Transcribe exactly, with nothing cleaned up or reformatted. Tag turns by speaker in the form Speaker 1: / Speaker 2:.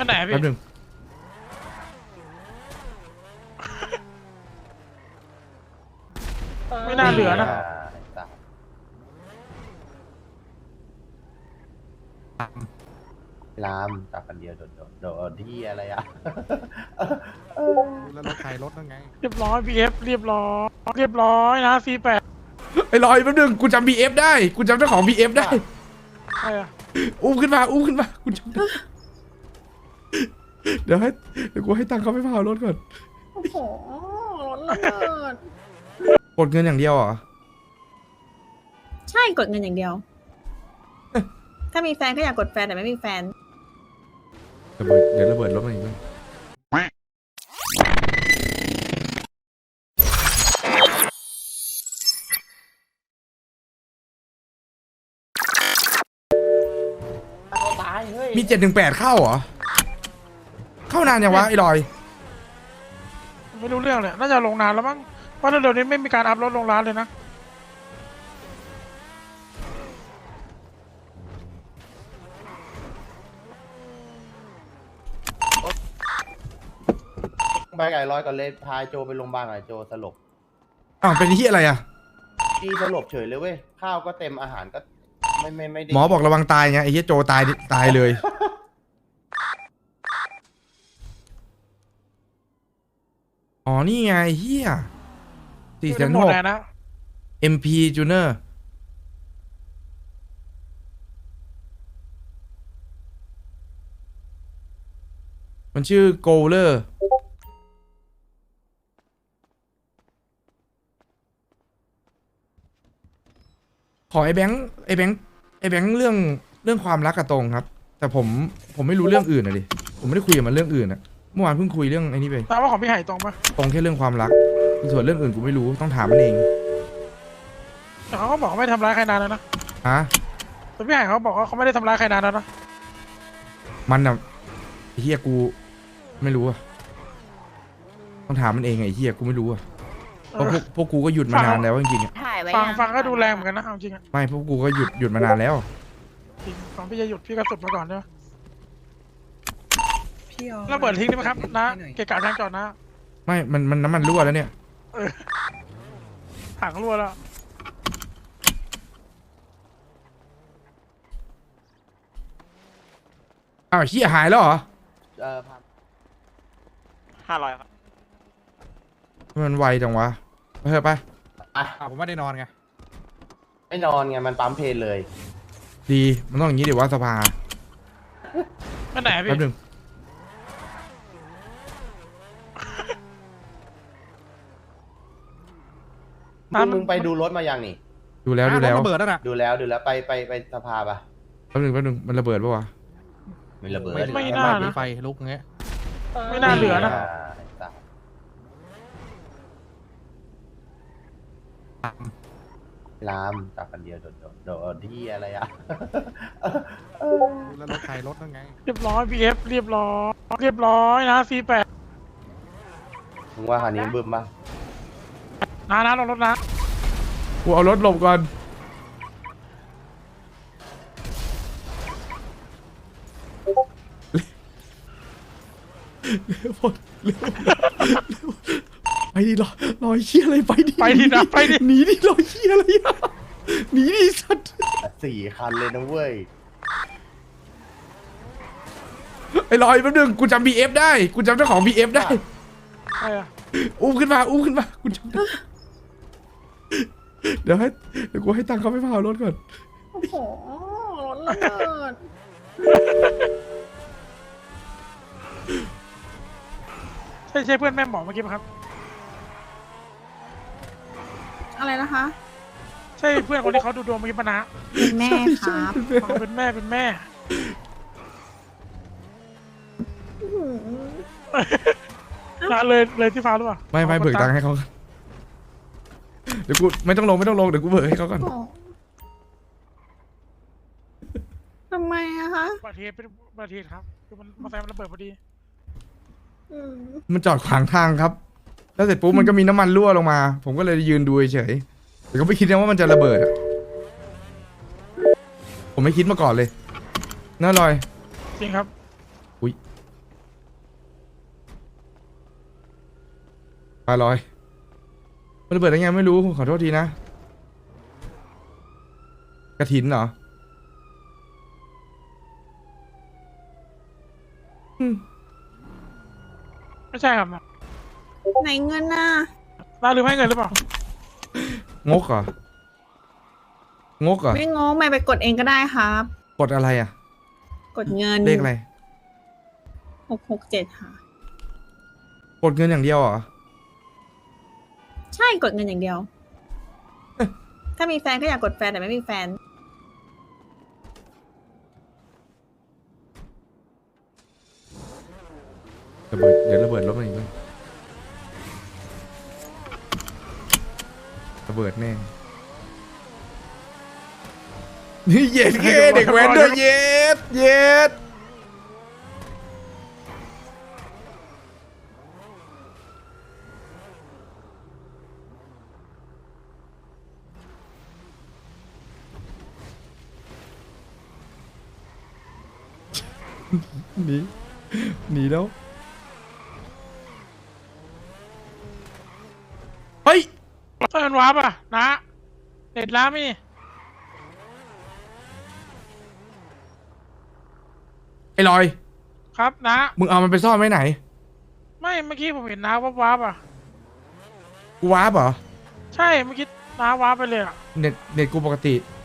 Speaker 1: อันไหนพี่
Speaker 2: แป๊บนึง
Speaker 1: ไม่น่าเหลือนะ
Speaker 3: ลามตับกันเดียวโดดโดดโดดที่อะไรอ่ะ
Speaker 4: แล้วรถใครรถนั่นไง
Speaker 1: เรียบร้อยพีเอฟเรียบร้อยเรียบร้อยนะซีแปด
Speaker 2: ไอ้ลอยแป๊บนึงกูจำ บี เอฟ ได้กูจำเจ้าของ บี เอฟ ได้
Speaker 1: ใช่อะ
Speaker 2: อุ้มขึ้นมาอุ้มขึ้นมากูจำได้เดี๋ยวให้เดี๋ยวกูให้ตังค์เขาไปพารถก่อน
Speaker 5: โอ้โหรถระเบิด
Speaker 2: กดเงินอย่างเดียวเหรอ
Speaker 5: ใช่กดเงินอย่างเดียว ถ้ามีแฟนก็อยากกดแฟนแต่ไม่มีแฟน
Speaker 2: ระเบิดเดี๋ยวระเบิดรถมาอีกมั้ยมีเจ็ดหนึ่งแปดเข้าเหรอเข้านานยังวะไอ้ลอย
Speaker 1: ไม่รู้เรื่องเลยน่าจะลงนานแล้วมั้งเพราะเดี๋ยวนี้ไม่มีการอัพรถลงร้านเลยนะ
Speaker 3: ไปไก่ร้อยก่อนเลยพาโจไปโรงพยาบาลหน่อยโจสลบ
Speaker 2: อ้าวเป็นที่อะไรอ่ะ
Speaker 3: พี่สลบเฉยเลยเว้ยข้าวก็เต็มอาหารก็ไม่ไม่ไม่ได้
Speaker 2: หมอบอกระวังตายไงไอ้เหี้ยโจตายตายเลย อ๋อนี่ไงเฮียสี่แสน
Speaker 1: หม
Speaker 2: ห
Speaker 1: ด
Speaker 2: ก
Speaker 1: แล้วนะ
Speaker 2: เอ็ม พี Junior มันชื่อ Goaler ขอไอ้แบงค์ไอ้แบงค์ไอ้แบงค์เรื่องเรื่องความรักกับตรงครับ แต่ผมผมไม่รู้เรื่องอื่นอะดิผมไม่ได้คุยกับมันเรื่องอื่นอะเมื่อวานเพิ่งคุยเรื่องไอ้นี่ไป
Speaker 1: ถามว่าของพี่ไห่ตรงปะ
Speaker 2: ตรงแค่เรื่องความรักส่วนเรื่องอื่นกูไม่รู้ต้องถามมันเอง
Speaker 1: แต่เขาก็บอกเขาไม่ทำร้ายใครนานแล้วนะ
Speaker 2: ฮะ
Speaker 1: แต่พี่ไห่เขาบอกว่าเขาไม่ได้ทำร้ายใครนานแล้วนะ
Speaker 2: มันอะไอ้เฮียกูไม่รู้อะต้องถามมันเองไอ้เฮียกูไม่รู้อะเพราะพวกพวกกูก็หยุดมานานแล้วจริงๆอะ
Speaker 5: ถ่ายไว้
Speaker 1: ฟัง
Speaker 5: ยัง
Speaker 1: ฟังก็ดูแรงเหมือนกันนะเอาจริงอะ
Speaker 2: ไม่พวกกูก็หยุดหยุดมานานแล้ว
Speaker 1: จริงก่อนพี่จะหยุดพี่ก็สุดมาก่อนใช่ไหม
Speaker 6: พี่เอา
Speaker 1: ระเบิดทิ้งได้ไหมครับนะเกะกะทางจอดนะ
Speaker 2: ไม่มันมันน้ำมันรั่วแล้วเนี่ย
Speaker 1: เออถังรั่วแล้ว
Speaker 2: อ้าวเฮียหายแล้วเหรอ
Speaker 3: เออพา
Speaker 1: ห้าร้อยครับ
Speaker 2: มันไวจังวะไปเถอะไป
Speaker 3: อ่ะ
Speaker 4: อ่าผมไม่ได้นอนไง
Speaker 3: ไม่นอนไงมันปั๊มเพลนเลย
Speaker 2: ดีมันต้องอย่างนี้เดี๋ยวว่าสภา
Speaker 1: อันไหนพี่
Speaker 2: แป๊บนึง
Speaker 3: มึงมึงไปดูรถมายังนี่
Speaker 2: ดูแล้วดูแล้ว
Speaker 4: ระเบิดแล้วนะ
Speaker 3: ดูแล้วดูแล้วไปไปไปสภาปะ
Speaker 2: แป๊บนึงแป๊บนึงมันระเบิดปะวะ
Speaker 3: ไม่ระเบิด
Speaker 1: ไม่น่า
Speaker 4: มี
Speaker 1: นะ
Speaker 4: ไฟลุกเงี้ย
Speaker 1: ไม่น่าเหลือนะ
Speaker 3: ไอ้สัสลามตับกันเดียวโดดโดดโดดที่อะไรอ่ะ
Speaker 4: แล้วรถใครรถนั่นไง
Speaker 1: เรียบร้อยพีเอฟเรียบร้อยเรียบร้อยนะซีแปด
Speaker 3: มึงว่าคันนี้บึ้มปะ
Speaker 1: นะนะลงรถนะ
Speaker 2: กูเอารถหลบก่อนเร็วเร็วเร็วไปดิรอรอยเชี่ยอะไรไปดิ
Speaker 1: ไปดินะไปดิ
Speaker 2: หนีดิรอยเชี่ยอะไรอะหนีดิสัตว์
Speaker 3: สี่คันเลยนะเว้ย
Speaker 2: ไอ้ลอยแป๊บนึงกูจำ บี เอฟ ได้กูจำเจ้าของ บี เอฟ ได้
Speaker 1: ใช่อะ
Speaker 2: อุ้มขึ้นมาอุ้มขึ้นมากูจำได้เดี๋ยวให้เดี๋ยวกูให้ตังค์เขาไปพารถก่อน
Speaker 5: โอ้โหรถระเบิด
Speaker 1: ใช่ใช่เพื่อนแม่หมอเมื่อกี้ปะครับ
Speaker 5: อะไรนะคะ
Speaker 1: ใช่เพื่อนคนที่เขาดูดวงเมื่อกี้ปะนะ
Speaker 5: เป็นแม่ครับ
Speaker 1: อ๋อเป็นแม่เป็นแม่
Speaker 5: อื้อหือ
Speaker 1: นะเลยเลยที่ฟ้าหรือเปล่า
Speaker 2: ไม่ไม่เบิกตังค์ให้เขาก่อนเดี๋ยวกูไม่ต้องลงไม่ต้องลงเดี๋ยวกูเบิกให้เขาก่อน
Speaker 5: โอ้ทำไมอะคะ
Speaker 1: อุบัติเหตุเป็นอุบัติเหตุครับคือมันมอเตอร์ไซค์มันระเบิดพอดี
Speaker 5: อืม
Speaker 2: มันจอดขวางทางครับ แล้วเสร็จปุ๊บมันก็มีน้ำมันรั่วลงมา ผมก็เลยยืนดูเฉยๆแต่ก็ไม่คิดนะว่ามันจะระเบิดอะผมไม่คิดมาก่อนเลยน่าลอย
Speaker 1: จริงครับ
Speaker 2: ปลาลอยมันระเบิดได้ไงไม่รู้ขอโทษทีนะกระถินเหรออืม
Speaker 1: ไม่ใช่ครับนะ
Speaker 5: ไหนเงินน่ะ
Speaker 1: น้าลืมให้เงินหรือเปล่าง
Speaker 2: กเหรอ งกเหรอ
Speaker 5: ไม่งงไม่ไปกดเองก็ได้ครับ
Speaker 2: กดอะไรอ่ะ
Speaker 5: กดเงิน
Speaker 2: เลขอะไร
Speaker 5: หกหกเจ็ดค่ะ
Speaker 2: กดเงินอย่างเดียวเหรอ
Speaker 5: ใช่กดเงินอย่างเดียว ถ้ามีแฟนก็อยากกดแฟนแต่ไม่มีแฟน
Speaker 2: ระเบิดเดี๋ยวระเบิดรถมันอีกแล้วระเบิดแน่นี่เย็ดเก้เด็กแว้นด้วยเย็ดเย็ดหนีหนีแล้วเฮ้ย
Speaker 1: เอินวาร์ปอ่ะนะเด็ดล้ามี
Speaker 2: ไอ้ลอย
Speaker 1: ครับนะ
Speaker 2: มึงเอามันไปซ่อนไว้ไหน
Speaker 1: ไม่เมื่อกี้ผมเห็นน้าวับวับอ่ะ
Speaker 2: กูวาร์ปเหรอ
Speaker 1: ใช่เมื่อกี้น้าวาร์ปไปเลยอ่ะ
Speaker 2: เน็ตเน็ตกูปกติ